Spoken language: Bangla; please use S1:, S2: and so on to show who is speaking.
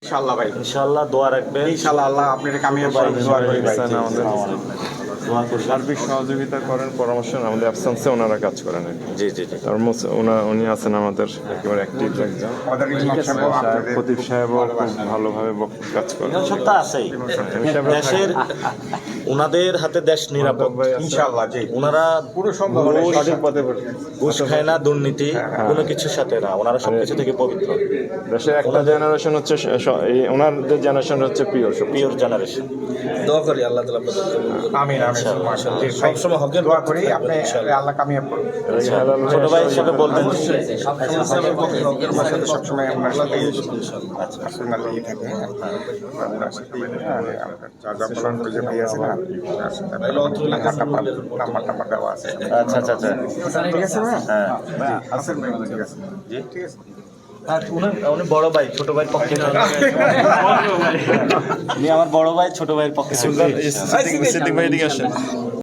S1: ইনশাআল্লাহ ভাই,
S2: ইনশাআল্লাহ দোয়া রাখবেন।
S1: ইনশাআল্লাহ আল্লাহ আপনার কামিয়াব করেন, দোয়া করি ভাই।
S3: আমাদের সার্বিক সহযোগিতা করেন, পরামর্শ নেন, আমাদের অ্যাবসেন্সে ওনারা কাজ করেন আর কি।
S2: জি জি জি।
S3: আর উনি আছেন আমাদের একেবারে অ্যাক্টিভ একজন।
S1: আমাদের ইমাম সাহেব আপনাদের
S3: খতিব সাহেবও খুব ভালোভাবে কাজ করেন।
S2: এখানে সব তো আছেই। দেশের ওনাদের হাতে দেশ নিরাপদ।
S1: ইনশাআল্লাহ জি,
S2: ওনারা
S1: পুরো সম্ভব হলে সঠিক পথে
S2: ঘুষ খায় না, দুর্নীতি কোনো কিছুর সাথে না, ওনারা সবকিছু থেকে পবিত্র।
S3: দেশের একটা জেনারেশন হচ্ছে ওনাদের জেনারেশন হচ্ছে পিওর
S2: জেনারেশন।
S4: দোয়া করি আল্লাহ তাআলা আপনাদের
S1: আমিন আমিন মাশাআল্লাহ। সবসময় হকের দোয়া করি, আপনি আল্লাহ কামিয়াব করুন।
S2: ছোট ভাই হিসেবে বলবেন
S1: আমার সাথে সবসময় আপনার সাথে পার্সোনালি থাকে, আপনার সাথে জাজাকুল্লাহ করে যে ভাই আছে না, নাম্বার দেওয়া আছে।
S2: আচ্ছা আচ্ছা আচ্ছা।
S1: ঠিক আছে ভাই?
S2: হ্যাঁ
S1: আছেন ভাই, ঠিক আছে ঠিক আছে।
S2: উনি বড় ভাই, ছোট ভাইয়ের পক্ষে না। উনি আমার বড় ভাই, ছোট ভাইয়ের পক্ষে।